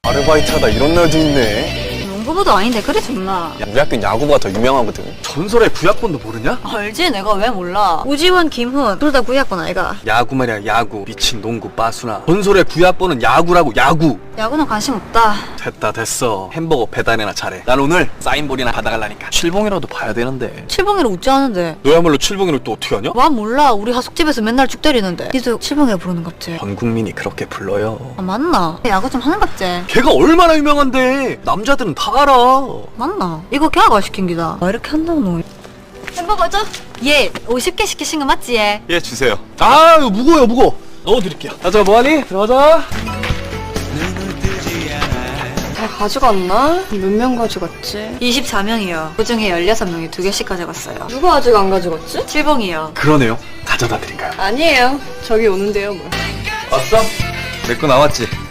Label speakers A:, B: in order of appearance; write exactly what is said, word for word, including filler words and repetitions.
A: 아르바이트하다 이런 날도 있네.
B: 농구부도 아닌데 그래 존나.
A: 야, 우리 학교는 야구부가 더 유명하거든.
C: 전설의 구약본도 모르냐?
B: 알지 내가 왜 몰라. 우지원, 김훈 둘 다 구약권 아이가.
C: 야구 말이야 야구. 미친 농구 빠수나. 전설의 구약본은 야구라고 야구.
B: 야구는 관심 없다.
C: 됐다 됐어. 햄버거 배달이나 잘해. 난 오늘 사인볼이나 받아갈라니까. 칠봉이라도 봐야 되는데.
B: 칠봉이를 웃지 않은데.
C: 너야말로 칠봉이를 또 어떻게 하냐?
B: 와 몰라. 우리 하숙집에서 맨날 죽 때리는데. 니도 칠봉이라 부르는 갑지.
C: 전 국민이 그렇게 불러요.
B: 아 맞나? 야구 좀 하는 갑지.
C: 걔가 얼마나 유명한데 남자들은 다 알아.
B: 맞나? 이거 걔가 시킨 기다. 왜 이렇게 한다고 너? 햄버거 줘? 예 오십 개 시키신 거 맞지 얘?
A: 예, 주세요.
C: 아 이거 무거워요 무거워. 넣어드릴게요. 가자 뭐하니? 들어가자.
D: 다 가져갔나? 몇 명 가져갔지?
B: 이십사 명이요. 그중에 열여섯 명이 두 개씩 가져갔어요.
D: 누가 아직 안 가져갔지?
B: 칠봉이요.
C: 그러네요. 가져다 드릴까요?
D: 아니에요. 저기 오는데요 뭐.
C: 왔어? 내 거 나왔지?